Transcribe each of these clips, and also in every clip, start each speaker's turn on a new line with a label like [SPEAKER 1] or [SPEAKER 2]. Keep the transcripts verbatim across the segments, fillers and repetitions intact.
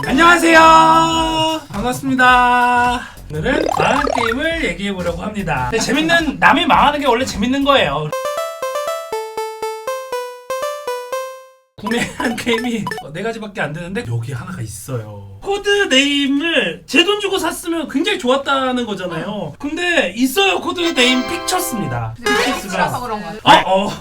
[SPEAKER 1] 안녕하세요. 반갑습니다. 오늘은 망한 게임을 얘기해보려고 합니다. 근데 재밌는, 남이 망하는 게 원래 재밌는 거예요. 구매한 게임이 네 가지밖에 안 되는데 여기 하나가 있어요. 코드 네임을 제 돈 주고 샀으면 굉장히 좋았다는 거잖아요. 근데 있어요. 코드 네임 픽처스입니다.
[SPEAKER 2] 픽처스라서 그런 거야.
[SPEAKER 1] 아, 어.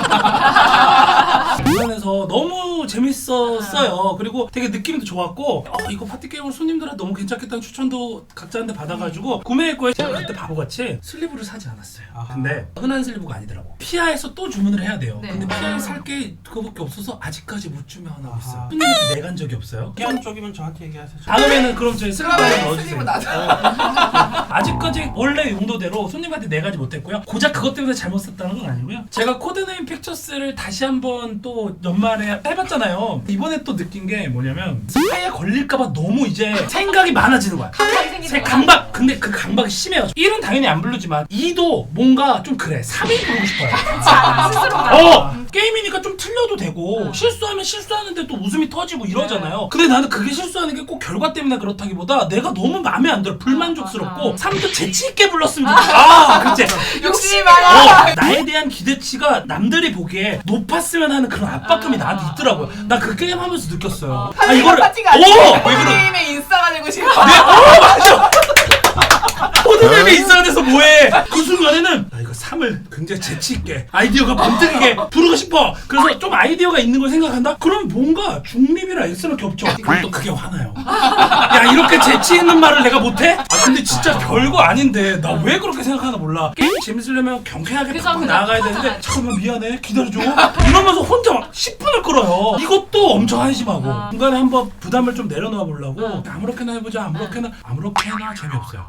[SPEAKER 1] 주변에서 너무 재밌었어요. 그리고 되게 느낌도 좋았고 어, 이거 파티게임으로 손님들한테 너무 괜찮겠다는 추천도 각자한테 받아가지고 구매했고요. 제가 그때 바보같이 슬리브를 사지 않았어요. 근데 흔한 슬리브가 아니더라고. 피아에서 또 주문을 해야 돼요.
[SPEAKER 2] 네.
[SPEAKER 1] 근데 피아에 살 게 그거밖에 없어서 아직까지 못 주문하고 있어요. 손님한테 내간 적이 없어요.
[SPEAKER 3] 피한 쪽이면 저한테 얘기하세요.
[SPEAKER 1] 다음에는 그럼 저희 슬리브
[SPEAKER 2] 그러면
[SPEAKER 1] 넣어주세요.
[SPEAKER 2] 슬리브 나죠.
[SPEAKER 1] 아직까지 원래 용도대로 손님한테 내가지 못했고요. 고작 그것 때문에 잘못 썼다는 건 아니고요. 제가 코드네임 픽처스를 다시 한번 또 연말에 해봤잖아요. 이번에 또 느낀 게 뭐냐면 스파이에 걸릴까봐 너무 이제 생각이 많아지는 거야.
[SPEAKER 2] 강박이 생기는
[SPEAKER 1] 제
[SPEAKER 2] 거야.
[SPEAKER 1] 강박, 근데 그 강박이 심해요. 일은 당연히 안 부르지만 이도 뭔가 좀 그래. 삼이 부르고 싶어요.
[SPEAKER 2] 스스로가.
[SPEAKER 1] 어! 게임이니까 좀 틀려도 되고 실수하면 실수하는데 또 웃음이 터지고 이러잖아요. 근데 나는 그게 실수하는 게 꼭 결과 때문에 그렇다기보다 내가 너무 마음에 안 들어. 불만족스럽고 삼도 재치있게 불렀으면 좋겠어. 아, 그치?
[SPEAKER 2] 욕심이 많아.
[SPEAKER 1] 어, 나에 대한 기대치가 남들이 보기에 높았으면 하는 그런 압박감이 나한테 있더라고요. 나 그 게임 하면서 느꼈어요. 아,
[SPEAKER 2] 이거를 파티가
[SPEAKER 1] 오!
[SPEAKER 2] 아니고
[SPEAKER 1] 왜 그래?
[SPEAKER 2] 게임의 인싸가 되고 싶어.
[SPEAKER 1] 네, 어, 맞아! 코드맵에 있어야 돼서 뭐해? 그 순간에는 나 이거 삼을 굉장히 재치있게 아이디어가 번뜩이게 부르고 싶어. 그래서 좀 아이디어가 있는 걸 생각한다? 그럼 뭔가 중립이랑 S랑 겹쳐. 그럼 또 그게 화나요. 야, 이렇게 재치있는 말을 내가 못해? 아, 근데 진짜 별거 아닌데 나 왜 그렇게 생각하나 몰라. 게임 재밌으려면 경쾌하게
[SPEAKER 2] 그죠,
[SPEAKER 1] 팍팍
[SPEAKER 2] 그죠.
[SPEAKER 1] 나아가야 되는데 잠깐만 미안해 기다려줘 이러면서 혼자 막 십 분을 끌어요. 이것도 엄청 한심하고
[SPEAKER 2] 아.
[SPEAKER 1] 중간에 한번 부담을 좀 내려놓아 보려고 아무렇게나 해보자 아무렇게나 아무렇게나 재미없어요.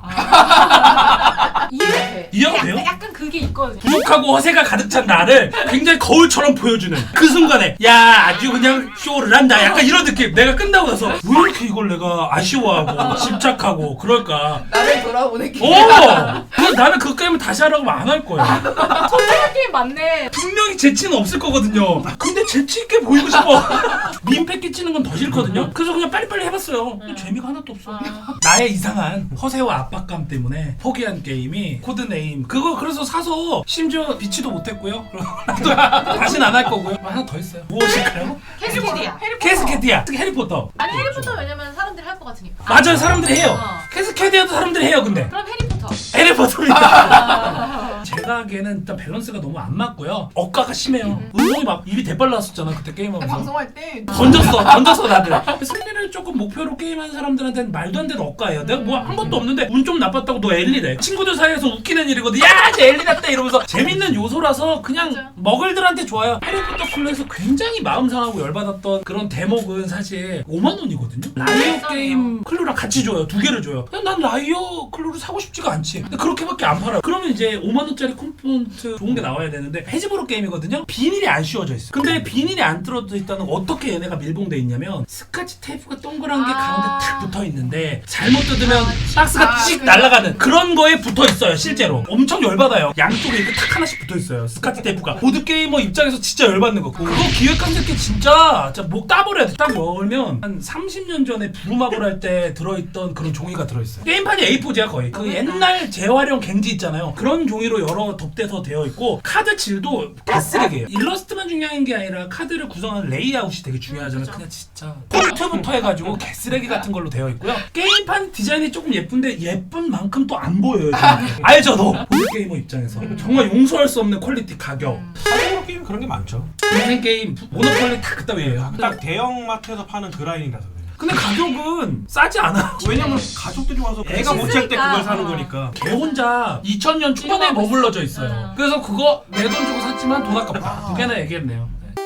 [SPEAKER 2] 이해돼.
[SPEAKER 1] 이해가 돼요?
[SPEAKER 2] 약간 그게 있거든.
[SPEAKER 1] 부족하고 허세가 가득 찬 나를 굉장히 거울처럼 보여주는 그 순간에 야 아주 그냥 쇼를 한다 약간 이런 느낌. 내가 끝나고 나서 왜 이렇게 이걸 내가 아쉬워하고 집착하고 그럴까.
[SPEAKER 2] 나를 돌아보는 게.
[SPEAKER 1] 오! 그래서 나는 그 게임을 다시 하라고 하면 안 할 거예요.
[SPEAKER 2] 선택할 게임 맞네.
[SPEAKER 1] 분명히 재치는 없을 거거든요. 근데 재치 있게 보이고 싶어. 민폐 끼치는 건 더 싫거든요. 그래서 그냥 빨리빨리 해봤어요. 근데 재미가 하나도 없어. 나의 이상한 허세와 압박감 때문에 포기한 게임이 코드네임. 그거 그래서 사서 심지어 비치도 못했고요. 다시는 안 할 거고요. 하나 더 있어요. 무엇일까요?
[SPEAKER 2] 캐스케디야.
[SPEAKER 1] 캐스케디아. 특히 해리포터.
[SPEAKER 4] 아니 해리포터 왜냐면 사람들이 할 것 같으니까.
[SPEAKER 1] 맞아요. 사람들이 해요.
[SPEAKER 4] 어.
[SPEAKER 1] 캐스케디아도 사람들이 해요. 근데
[SPEAKER 4] 그럼 해리포터.
[SPEAKER 1] 해리포터입니다. 제가 하기에는 일단 밸런스가 너무 안 맞고요. 억가가 심해요. 운동이 막 입이 대빨 나왔었잖아 그때 게임하면서.
[SPEAKER 2] 방송할 때
[SPEAKER 1] 던졌어 던졌어 다들. 승리를 조금 목표로 게임하는 사람들한테는 말도 안 되는 억가예요. 내가 뭐 한 것도 없는데 운 좀 나빴다고 너 엘리래. 친구들 사이에서 웃기는 일이거든. 야 쟤 엘리 났다 이러면서 재밌는 요소라서 그냥
[SPEAKER 4] 맞아.
[SPEAKER 1] 먹을들한테 좋아요. 해리포터 클로에서 굉장히 마음 상하고 열받았던 그런 대목은 사실 오만 원이거든요. 라이어
[SPEAKER 4] 비싸네요.
[SPEAKER 1] 게임 클루랑 같이 줘요. 두 개를 줘요. 그냥 난 라이어 클루를 사고 싶지가 않지. 근데 그렇게밖에 안 팔아요. 그러면 이제 오만 원짜리 컴포넌트 좋은 게 나와야 되는데 해지브로 게임이거든요. 비닐이 안 씌워져 있어. 근데 비닐이 안 뚫어져 있다는 어떻게 얘네가 밀봉돼 있냐면 스카치 테이프가 동그란 게
[SPEAKER 4] 아.
[SPEAKER 1] 가운데 탁 붙어 있는데 잘못 뜯으면 박스가
[SPEAKER 2] 아,
[SPEAKER 1] 씩
[SPEAKER 2] 그래.
[SPEAKER 1] 날아가는 그런 거에 붙어 있어요. 실제로 엄청 열받아요. 양쪽에 이렇게 탁 하나씩 붙어 있어요. 스카치 테이프가. 보드 게이머 입장에서 진짜 열받는 거. 그거 기획한 새끼 진짜 진짜 목 따버려야 돼. 딱 열면 한 삼십 년 전에 부루마블 할 때 들어있던 그런 종이가 들어있어요. 게임판이 에이 포지야 거의. 그 옛날 재활용 갱지 있잖아요. 그런 종이로 여러 덧대서 되어 있고 카드 질도 개쓰레기예요. 일러스트만 중요한 게 아니라 카드를 구성하는 레이아웃이 되게 중요하잖아요. 그냥 진짜 폰트부터 해가지고 개쓰레기 같은 걸로 되어 있고요. 게임판 디자인이 조금 예쁜데 예쁜 만큼 또 안 보여요. 지금. 알죠 너? 보드 게이머 입장에서 정말 용서할 수 없는 퀄리티 가격.
[SPEAKER 3] 한국 게임 그런 게 많죠.
[SPEAKER 1] 인생 게임 모노폴리 다 그따위예요.
[SPEAKER 3] 딱 대형 마트에서 파는 그 라인이라서 그래요.
[SPEAKER 1] 근데 가격은 싸지 않아.
[SPEAKER 3] 왜냐면 가족들이 와서 애가 못 찰 때 그걸 사는 거니까.
[SPEAKER 1] 걔 혼자 이천 년 초반에 머물러져 있어요.
[SPEAKER 4] 응.
[SPEAKER 1] 그래서 그거 내 돈 주고 샀지만 돈 아깝다. 두 개나 얘기했네요. 네.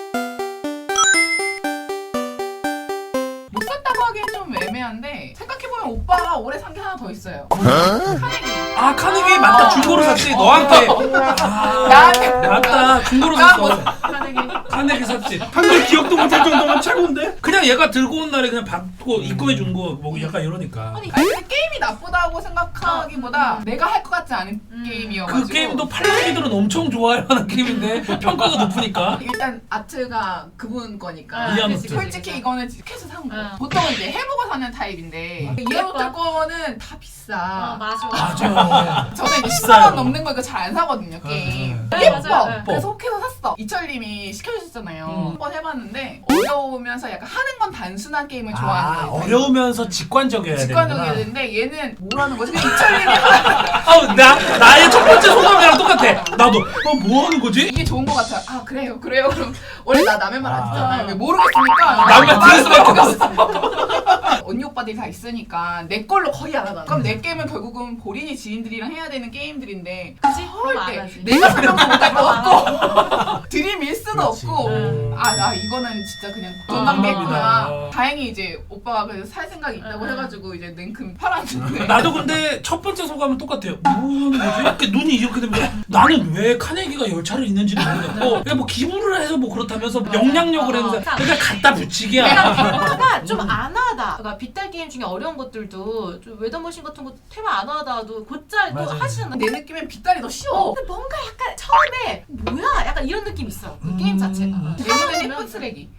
[SPEAKER 2] 못 샀다고 하기엔 좀 애매한데 생각해보면 오빠가 올해 산 게 하나 더 있어요. 카네기.
[SPEAKER 1] 아 카네기 맞다. 중고로 샀지. 너한테. 아
[SPEAKER 2] 나한테.
[SPEAKER 1] 맞다. 중고로
[SPEAKER 2] 나
[SPEAKER 1] 샀어.
[SPEAKER 2] 못
[SPEAKER 4] 하는
[SPEAKER 1] 카네기 샀지.
[SPEAKER 3] 한글 기억도 못할 정도면 최고인데?
[SPEAKER 1] 그냥 얘가 들고 온 날에 그냥 받고 입금해 준 거 뭐 약간 이러니까.
[SPEAKER 4] 아니
[SPEAKER 2] 아니 근데 게임이 나쁘다고 생각하기보다 내가 할 것 같지 않은
[SPEAKER 4] 음.
[SPEAKER 2] 게임이어가지고
[SPEAKER 1] 그 게임도 팔랑이들은 엄청 좋아할 만한 게임인데 평가가 높으니까.
[SPEAKER 2] 일단 아트가 그분 거니까
[SPEAKER 4] 아,
[SPEAKER 1] 이해하는
[SPEAKER 2] 그치,
[SPEAKER 1] 거죠.
[SPEAKER 2] 솔직히 이거는 캐스 산 거.
[SPEAKER 4] 아.
[SPEAKER 2] 보통은 이제 해보고 사는 타입인데 이해못할 거는 다 비싸.
[SPEAKER 4] 아 맞아.
[SPEAKER 1] 맞아.
[SPEAKER 2] 저는 이제
[SPEAKER 1] 비싸요.
[SPEAKER 2] 십만 원 넘는 거 이거 잘 안 사거든요 게임.
[SPEAKER 4] 네,
[SPEAKER 2] 예뻐.
[SPEAKER 4] 맞아요. 네.
[SPEAKER 2] 그래서 혹해서 샀어. 이철님이 시켜주셨잖아요.
[SPEAKER 1] 음.
[SPEAKER 2] 한번 해봤는데 어려우면서 약간 하는 건 단순한 게임을 좋아하는
[SPEAKER 1] 아,
[SPEAKER 2] 거예요.
[SPEAKER 1] 어려우면서 직관적이어야 되는구나.
[SPEAKER 2] 직관적이어야 되는데 얘는 뭐라는 거지? 그냥 이철님이
[SPEAKER 1] 아, 나 나의 첫 번째 소감이랑 똑같아. 나도 어, 뭐 하는 거지?
[SPEAKER 2] 이게 좋은 거 같아. 아 그래요, 그래요. 그럼 원래 나 남의 말 안
[SPEAKER 1] 아.
[SPEAKER 2] 듣잖아요. 왜 모르겠으니까
[SPEAKER 1] 남의 말 들을 수밖에
[SPEAKER 2] 없어. 언니 오빠들이 다 있으니까 내 걸로 거의 안 하잖아. 그럼 내 게임은 결국은 본인이 지인들이랑 해야 되는 게임들인데
[SPEAKER 4] 그치?
[SPEAKER 2] 헐
[SPEAKER 4] 그럼 안
[SPEAKER 2] 때
[SPEAKER 4] 하지.
[SPEAKER 2] 내가 설명도 못할 것 같고 들이밀 수도
[SPEAKER 3] 그렇지.
[SPEAKER 2] 없고
[SPEAKER 1] 음.
[SPEAKER 2] 아 나 이거는 진짜 그냥 돈
[SPEAKER 4] 아,
[SPEAKER 2] 낭비했구나.
[SPEAKER 1] 아.
[SPEAKER 2] 다행히 이제 오빠가 그래서 살 생각이 있다고
[SPEAKER 4] 음.
[SPEAKER 2] 해가지고 이제 냉큼 팔았는데
[SPEAKER 1] 나도 근데 첫 번째 소감은 똑같아요. 뭐 하는 거지? 이렇게 눈이 이렇게 되면 나는 왜 카네기가 열차를 있는지도 모르겠고 그냥 뭐 기부를 해서 뭐 그렇다면서 영향력을 했는데 그냥 갖다 붙이기야.
[SPEAKER 4] 내가 테마가 좀 안 하다. 그러니까 빗달 게임 중에 어려운 것들도 좀 웨더머신 같은 거 테마 안 하다도 곧잘 또
[SPEAKER 1] 맞아요.
[SPEAKER 4] 하시잖아.
[SPEAKER 2] 내 느낌엔 빗다리 더 쉬워.
[SPEAKER 4] 어, 근데 뭔가 약간 처음에 뭐야? 약간 이런 느낌 이 있어. 그 게임 자체가.
[SPEAKER 1] 음.
[SPEAKER 2] 내 눈엔 예쁜 쓰레기.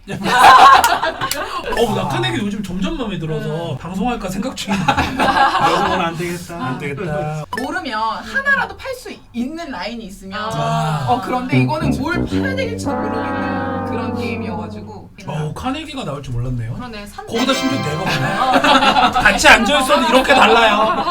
[SPEAKER 1] 어, 나 카네기 요즘 점점 마음에 들어서 방송할까 생각 중이야.
[SPEAKER 3] 이러고는 안 되겠다.
[SPEAKER 1] 안 되겠다.
[SPEAKER 2] 모르면 하나라도 팔 수 있는 라인이 있으면
[SPEAKER 1] 아.
[SPEAKER 2] 어 그런데 이거는 뭘 팔아야 될지도 모르겠는 그런 게임이어가지고
[SPEAKER 1] 어, 카네기가 나올 줄 몰랐네요.
[SPEAKER 4] 그러네. 산
[SPEAKER 1] 거기다 심지어 내가 보네. 같이 앉아있어도 이렇게 달라요.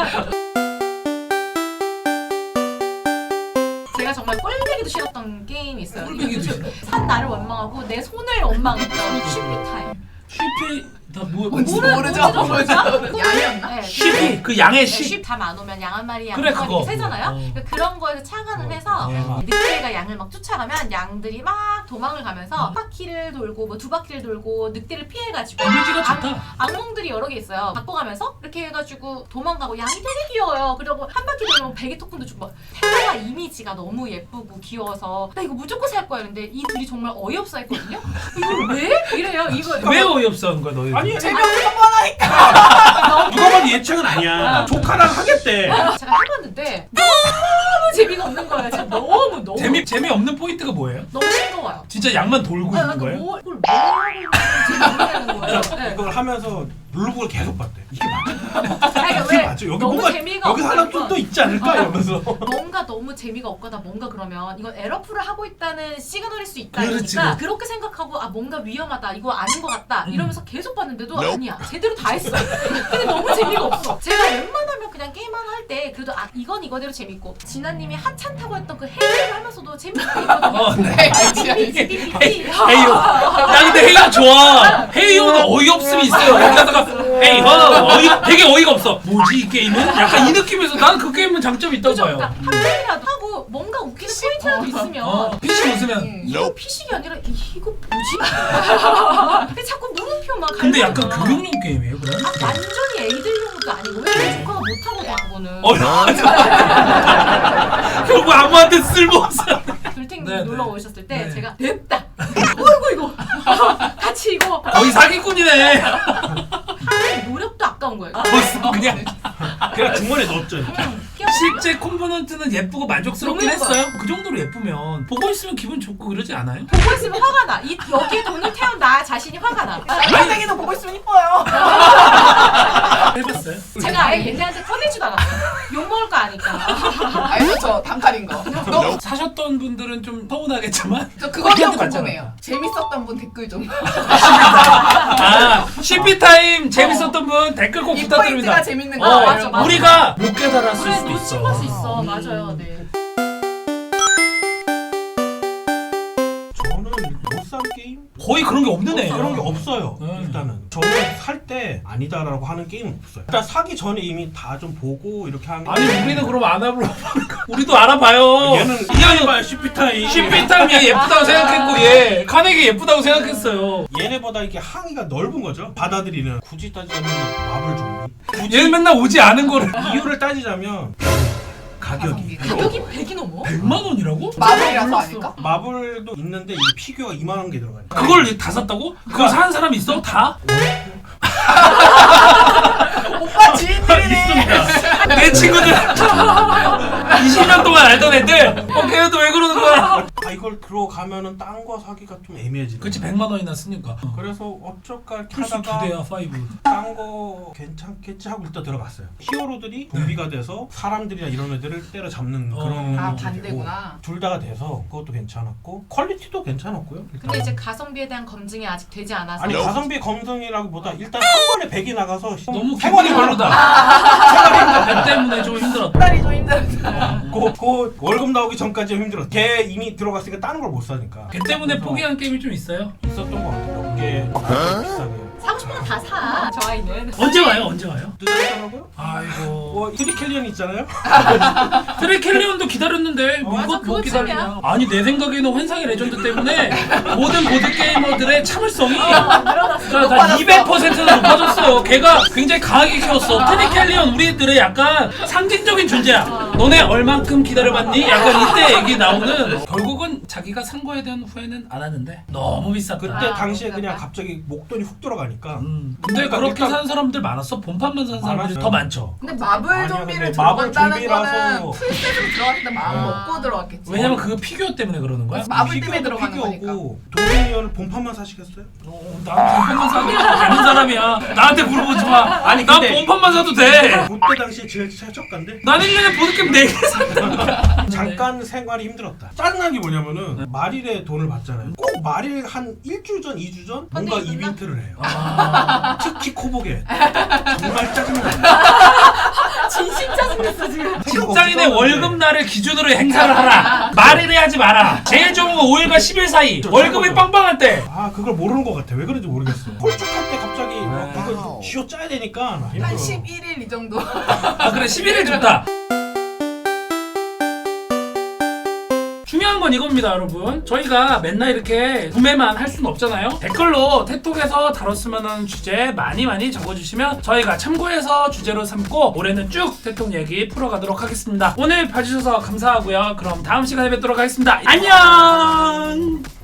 [SPEAKER 4] 제가 정말 꼴배기도 싫었던 게임이 있어요.
[SPEAKER 1] 꼴배기도 싫어?
[SPEAKER 4] 산 나를 원망하고 내 손을 원망했던 쉬피 타임.
[SPEAKER 1] 쉬피 나 뭐?
[SPEAKER 2] 뭔지
[SPEAKER 4] 모르-
[SPEAKER 2] 모르죠.
[SPEAKER 4] 뭔지도
[SPEAKER 2] 모르죠.
[SPEAKER 4] 모르죠.
[SPEAKER 2] 양이었나?
[SPEAKER 4] 네,
[SPEAKER 1] 쉬피 그 양의 시.
[SPEAKER 4] 쉽다안 오면 양 한 마리, 양
[SPEAKER 1] 그래,
[SPEAKER 4] 한 마리
[SPEAKER 1] 그거.
[SPEAKER 4] 이렇게 세잖아요.
[SPEAKER 1] 어.
[SPEAKER 4] 그러니까 그런 거에서 착안을 해서
[SPEAKER 1] 네.
[SPEAKER 4] 늑대가 양을 막 쫓아가면 양들이 막 도망을 가면서 한 바퀴를 돌고 뭐 두 바퀴를 돌고 늑대를 피해가지고
[SPEAKER 1] 이미지가
[SPEAKER 4] 악-
[SPEAKER 1] 좋다.
[SPEAKER 4] 악몽들이 여러 개 있어요. 바꿔가면서 이렇게 해가지고 도망가고 양이 되게 귀여워요. 그리고 한 바퀴 돌면 베개 토큰도 주고 막 테마 이미지가 너무 예쁘고 귀여워서 나 이거 무조건 살 거야. 근데 이 둘이 정말 어이없어 했거든요. 이걸 왜? 이래요. 이거
[SPEAKER 1] 왜 어이없어 하는 거야 너희?
[SPEAKER 3] 아니
[SPEAKER 2] 재미없는 거 하니까.
[SPEAKER 3] 누가 봐도 예측은 아니야. 조카랑 하겠대.
[SPEAKER 4] 제가 해봤는데 너무 재미가 없는 거예요. 진짜 너무 너무
[SPEAKER 1] 재미 재미 없는 포인트가 뭐예요?
[SPEAKER 4] 너무 싱거워요.
[SPEAKER 1] 진짜 양만 돌고
[SPEAKER 4] 아,
[SPEAKER 1] 있는
[SPEAKER 4] 그러니까
[SPEAKER 1] 거예요?
[SPEAKER 4] 뭐, 그걸 왜 하고 있는지 모르겠는 거예요. 네.
[SPEAKER 3] 이걸 하면서 블로그를 계속 봤대. 이게 맞아?
[SPEAKER 4] 아니, 그러니까
[SPEAKER 3] 이게
[SPEAKER 4] 왜
[SPEAKER 3] 맞아? 여기
[SPEAKER 4] 너무
[SPEAKER 3] 뭔가
[SPEAKER 4] 재미가
[SPEAKER 3] 여기 하나 좀
[SPEAKER 4] 없으면
[SPEAKER 3] 또 있지 않을까 이러면서.
[SPEAKER 4] 뭔가 너무 재미가 없거나 뭔가 그러면 이건 에러풀을 하고 있다는 시그널일 수 있다
[SPEAKER 1] 그렇지,
[SPEAKER 4] 이러니까
[SPEAKER 1] 그렇지.
[SPEAKER 4] 그렇게 생각하고 아 뭔가 위험하다 이거 아닌 것 같다
[SPEAKER 1] 음.
[SPEAKER 4] 이러면서 계속 봤는데도 아니야 제대로 다 했어. 근데 너무 재미가 없어. 제가 웬만하면 그냥 게임 하나 할 때 그래도 아 이건 이거대로 재밌고 진아님이 하찮 타고 했던 그 헤이를 하면서도 재밌게 있거든요.
[SPEAKER 1] 어, 네.
[SPEAKER 2] 알지 알지.
[SPEAKER 4] 삐삐삐삐.
[SPEAKER 1] 헤이요. 나 근데 헤이요 좋아. 헤이요는 어이없음이 있어요. 여기다가 헤이허 어이 되게 어이가 없어. 뭐지 이 게임은? 약간 이 느낌에서 난 그 게임은 장점이 있다고
[SPEAKER 4] 그죠?
[SPEAKER 1] 봐요.
[SPEAKER 4] 그러니까 한 명이라도 하고 뭔가 웃기는 포인트라도 있으면
[SPEAKER 1] 어, 피시 웃으면.
[SPEAKER 2] 음.
[SPEAKER 4] 이거 피식이 아니라 이- 이거 뭐지? 근데 자꾸 물음표만
[SPEAKER 1] 근데 약간
[SPEAKER 4] 갈라져요.
[SPEAKER 1] 교육용 게임이에요, 그럼?
[SPEAKER 4] 아, 완전히 애들용도 아니고 왜 조카가 못하거든 그거는.
[SPEAKER 1] 어, 결국 아무한테 쓸모없어.
[SPEAKER 4] 둘탱
[SPEAKER 1] 네,
[SPEAKER 4] 놀러
[SPEAKER 1] 네.
[SPEAKER 4] 오셨을 때
[SPEAKER 1] 네.
[SPEAKER 4] 제가 냅다. 어이구 이거 같이 이거
[SPEAKER 1] 거의 사기꾼이네.
[SPEAKER 4] 하는 노력도 아까운 거예요.
[SPEAKER 1] 벌써 그냥
[SPEAKER 3] 그냥 주머니에 넣었죠.
[SPEAKER 4] 응, 귀엽다.
[SPEAKER 1] 실제 콤포넌트는 예쁘고 만족스럽긴
[SPEAKER 4] 너무 예뻐요.
[SPEAKER 1] 했어요. 그 정도로 예쁘면 보고 있으면 기분 좋고 그러지 않아요?
[SPEAKER 4] 보고 있으면 화가 나. 이 여기에 돈을 태운 나 자신이 화가 나.
[SPEAKER 2] 쌍둥이도 보고 있으면 이뻐요.
[SPEAKER 1] 해봤어요?
[SPEAKER 4] 제가 아예 얘네한테 꺼내지도 않았어요. 욕 먹을 거 아니까.
[SPEAKER 2] 알죠 저 단칼인 거. 너,
[SPEAKER 1] 사셨던 분들은 좀 서운하겠지만
[SPEAKER 2] 저 그건 좀
[SPEAKER 1] 그렇게
[SPEAKER 2] 궁금해요. 재밌었던 분 댓글 좀.
[SPEAKER 1] 아 씨피타임 재밌었던 분 댓글 꼭
[SPEAKER 2] 이
[SPEAKER 1] 부탁드립니다.
[SPEAKER 2] 포인트가 재밌는 거.
[SPEAKER 1] 어,
[SPEAKER 4] 맞아, 맞아.
[SPEAKER 1] 우리가 못 깨달았을
[SPEAKER 4] 그래
[SPEAKER 1] 수도
[SPEAKER 4] 놓친
[SPEAKER 1] 있어.
[SPEAKER 4] 걸 수 있어.
[SPEAKER 1] 음.
[SPEAKER 4] 맞아요. 네.
[SPEAKER 3] 저는 못 산 게임?
[SPEAKER 1] 거의 그런 게 없는 애.
[SPEAKER 3] 그런 게 없어요.
[SPEAKER 1] 음.
[SPEAKER 3] 일단은 저는 살 때 아니다라고 하는 게임은 없어요. 일단 사기 전에 이미 다 좀 보고 이렇게 하는.
[SPEAKER 1] 아니 우리는 그럼 안 알아보고 우리도 알아봐요.
[SPEAKER 3] 얘는
[SPEAKER 1] 이하는
[SPEAKER 3] 말 씨피타임.
[SPEAKER 1] 씨피타임 얘 예쁘다고 생각했고 얘 카네기 예쁘다고 생각했어요.
[SPEAKER 3] 얘네보다 이게 항의가 넓은 거죠. 받아들이는. 굳이 따지자면 마블 좀비. 굳이
[SPEAKER 1] 얘는 맨날 오지 않은 거를
[SPEAKER 3] 이유를 따지자면 가격이.
[SPEAKER 4] 가격이 백이 넘어?
[SPEAKER 1] 백만 원이라고?
[SPEAKER 2] 마블이라서
[SPEAKER 4] 몰랐어.
[SPEAKER 2] 아닐까?
[SPEAKER 3] 마블도 있는데 이 피규어가 이만한 게 들어가요.
[SPEAKER 1] 그걸 다 샀다고? 그거 사는 사람 있어? 다?
[SPEAKER 2] 오빠 지인들이네.
[SPEAKER 3] 있습니다.
[SPEAKER 1] 내 친구들 이십 년 동안 알던 애들 어 걔네도 왜 그러는 거야?
[SPEAKER 3] 아 이걸 들어가면은 딴 거 사기가 좀 애매해지네.
[SPEAKER 1] 그치 백만 원이나 쓰니까.
[SPEAKER 3] 그래서 어쩔까 이렇게
[SPEAKER 1] 플스 두
[SPEAKER 3] 하다가
[SPEAKER 1] 대야 파이브.
[SPEAKER 3] 딴 거 괜찮겠지 하고 일단 들어갔어요. 히어로들이 좀비가 돼서 사람들이나 이런 애들을 때려잡는
[SPEAKER 1] 어.
[SPEAKER 3] 그런
[SPEAKER 2] 아,
[SPEAKER 3] 느낌이고
[SPEAKER 2] 반대구나.
[SPEAKER 3] 둘 다가 돼서 그것도 괜찮았고 퀄리티도 괜찮았고요. 일단.
[SPEAKER 4] 근데 이제 가성비에 대한 검증이 아직 되지 않아서
[SPEAKER 3] 아니 가성비 검증이라기보다 일단 한 번에 백이 나가서
[SPEAKER 1] 너무
[SPEAKER 3] 생활이
[SPEAKER 1] 기분이
[SPEAKER 3] 별로다.
[SPEAKER 1] 별로다. 배 때문에 좀 힘들었다.
[SPEAKER 2] 딸이 좀 힘들었다.
[SPEAKER 3] 그, 그 월급 나오기 전까지 힘들었어. 걔 이미 들어갔으니까 다른 걸 못 사니까.
[SPEAKER 1] 배 때문에
[SPEAKER 3] 그래서
[SPEAKER 1] 포기한 게임이 좀 있어요.
[SPEAKER 3] 있었던 것 같아요. 몇 개 비싸게.
[SPEAKER 4] 사고 싶은 건 다 사. 저 아이는.
[SPEAKER 1] 언제 와요? 언제 와요?
[SPEAKER 3] 늦었더라고요?
[SPEAKER 1] 아이고.
[SPEAKER 3] 뭐 트리켈리언 있잖아요.
[SPEAKER 1] 트레켈리온도 기다렸는데 뭐
[SPEAKER 4] 맞아,
[SPEAKER 1] 이것 못
[SPEAKER 4] 그거쯤이야.
[SPEAKER 1] 기다리냐? 아니 내 생각에는 환상의 레전드 때문에 모든 보드 게이머들의 참을성이
[SPEAKER 4] 늘어났어.
[SPEAKER 1] 다 이백 퍼센트나 높아졌어요. 걔가 굉장히 강하게 키웠어. 트리켈리온 우리들의 약간 상징적인 존재야. 너네 얼만큼 기다려봤니? 약간 이때 얘기 나오는. 결국은 자기가 산 거에 대한 후회는 안 하는데 너무 비쌌다.
[SPEAKER 3] 그때
[SPEAKER 4] 아,
[SPEAKER 3] 당시에
[SPEAKER 4] 그렇구나.
[SPEAKER 3] 그냥 갑자기 목돈이 훅 들어가니까.
[SPEAKER 1] 음. 근데
[SPEAKER 3] 그러니까
[SPEAKER 1] 그렇게
[SPEAKER 3] 일단-
[SPEAKER 1] 사는 사람들 많았어. 본판만 사는 사람들이
[SPEAKER 3] 많았어요.
[SPEAKER 1] 더 많죠.
[SPEAKER 2] 근데 마블
[SPEAKER 3] 아니야,
[SPEAKER 2] 좀비를
[SPEAKER 3] 근데 마블
[SPEAKER 2] 들어간다는
[SPEAKER 3] 좀비라서-
[SPEAKER 2] 거는 풀셋으로 들어갔을 때 마음
[SPEAKER 4] 아.
[SPEAKER 2] 먹고 들어갔겠지.
[SPEAKER 1] 왜냐면 그거 피규어 때문에 그러는 거야.
[SPEAKER 2] 마블 때문에
[SPEAKER 3] 피규어도
[SPEAKER 2] 들어가는
[SPEAKER 3] 피규어고 도미니언을 본판만 사시겠어요?
[SPEAKER 1] 어, 나한테 본판만 사도 되는 사람이야. 나한테 물어보지 마.
[SPEAKER 3] 아니,
[SPEAKER 1] 난
[SPEAKER 3] 근데-
[SPEAKER 1] 본판만 사도 돼.
[SPEAKER 3] 그때 당시에 제일 최저가인데
[SPEAKER 1] 난 일 년에 보드게임 네 개 샀다.
[SPEAKER 3] 잠깐 생활이 힘들었다. 짜증난 게 뭐냐면은 말일에 돈을 받잖아요. 꼭 말일 한 일주 전, 이 주 전 뭔가
[SPEAKER 4] 펀딩이 끝나?
[SPEAKER 3] 이벤트를 해요.
[SPEAKER 1] 아,
[SPEAKER 3] 특히 코보게 정말 짜증나.
[SPEAKER 4] 진심 짜증났어 지금.
[SPEAKER 1] 직장인의 월급 날을 기준으로 행사를 하라. 말일에 하지 마라. 제일 좋은 건 오일과 십일 사이. 월급이 빵빵할 때.
[SPEAKER 3] 아 그걸 모르는 것 같아. 왜 그런지 모르겠어. 홀쭉할 때 갑자기 막 이거 쥐어 짜야 되니까 힘들어.
[SPEAKER 2] 한 십일 일 이 정도.
[SPEAKER 1] 아 그래 십일 일 좋다. 중요한 건 이겁니다 여러분. 저희가 맨날 이렇게 구매만 할 수는 없잖아요. 댓글로 톡톡에서 다뤘으면 하는 주제 많이 많이 적어주시면 저희가 참고해서 주제로 삼고 올해는 쭉 톡톡 얘기 풀어가도록 하겠습니다. 오늘 봐주셔서 감사하고요. 그럼 다음 시간에 뵙도록 하겠습니다. 안녕.